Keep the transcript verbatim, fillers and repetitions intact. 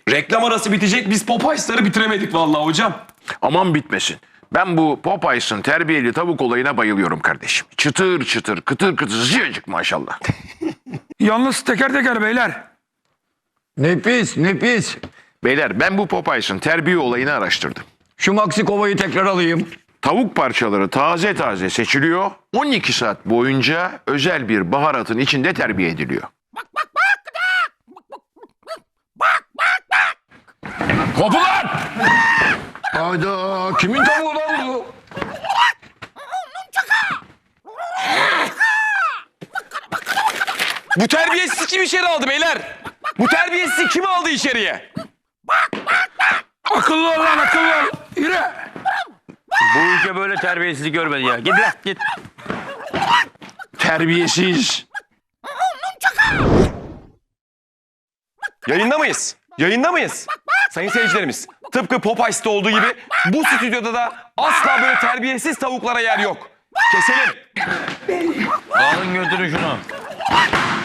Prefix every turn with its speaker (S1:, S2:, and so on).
S1: Reklam arası bitecek, biz Popeyes'ları bitiremedik vallahi hocam.
S2: Aman bitmesin. Ben bu Popeyes'ın terbiyeli tavuk olayına bayılıyorum kardeşim. Çıtır çıtır, kıtır kıtır, sıcacık maşallah.
S3: Yalnız teker teker beyler.
S4: Nefis, nefis.
S2: Beyler ben bu Popeyes'ın terbiye olayını araştırdım.
S4: Şu Maxi kovayı tekrar alayım.
S2: Tavuk parçaları taze taze seçiliyor. on iki saat boyunca özel bir baharatın içinde terbiye ediliyor. Kapılar!
S4: Hayda, kimin tavuğu lan bu?
S1: Bu terbiyesiz kim içeri aldı beyler? Bu terbiyesiz kim aldı içeriye?
S3: Akıllı ol lan, akıllı ol. Yürü.
S5: Bu ülke böyle terbiyesizlik görmedi ya. Git lan git.
S2: Terbiyesiz.
S1: Yayında mıyız? Yayında mıyız? Sayın seyircilerimiz, tıpkı Popeyes'te olduğu gibi bu stüdyoda da asla böyle terbiyesiz tavuklara yer yok. Keselim.
S5: Alın götürün şunu.